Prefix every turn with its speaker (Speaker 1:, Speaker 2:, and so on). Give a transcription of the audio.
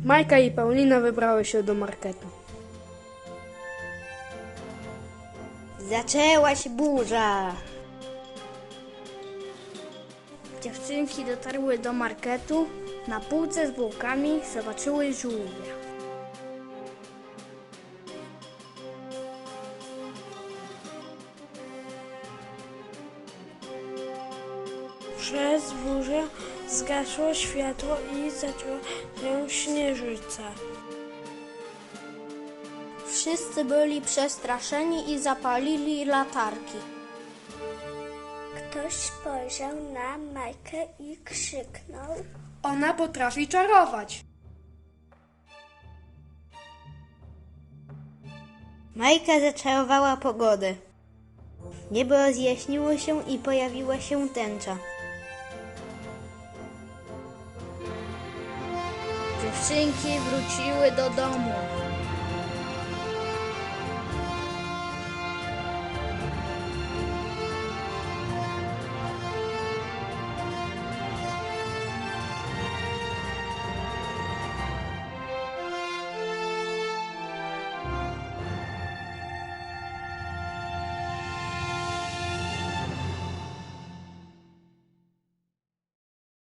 Speaker 1: Majka i Paulina wybrały się do marketu.
Speaker 2: Zaczęła się burza.
Speaker 3: Dziewczynki dotarły do marketu. Na półce z bułkami zobaczyły żółwia.
Speaker 1: Przez burzę zgasło światło i zaczęła się śnieżyca.
Speaker 3: Wszyscy byli przestraszeni i zapalili latarki.
Speaker 4: Ktoś spojrzał na Majkę i krzyknął:
Speaker 1: Ona potrafi czarować.
Speaker 2: Majka zaczarowała pogodę. Niebo rozjaśniło się i pojawiła się tęcza.
Speaker 3: Dziewczynki wróciły do domu.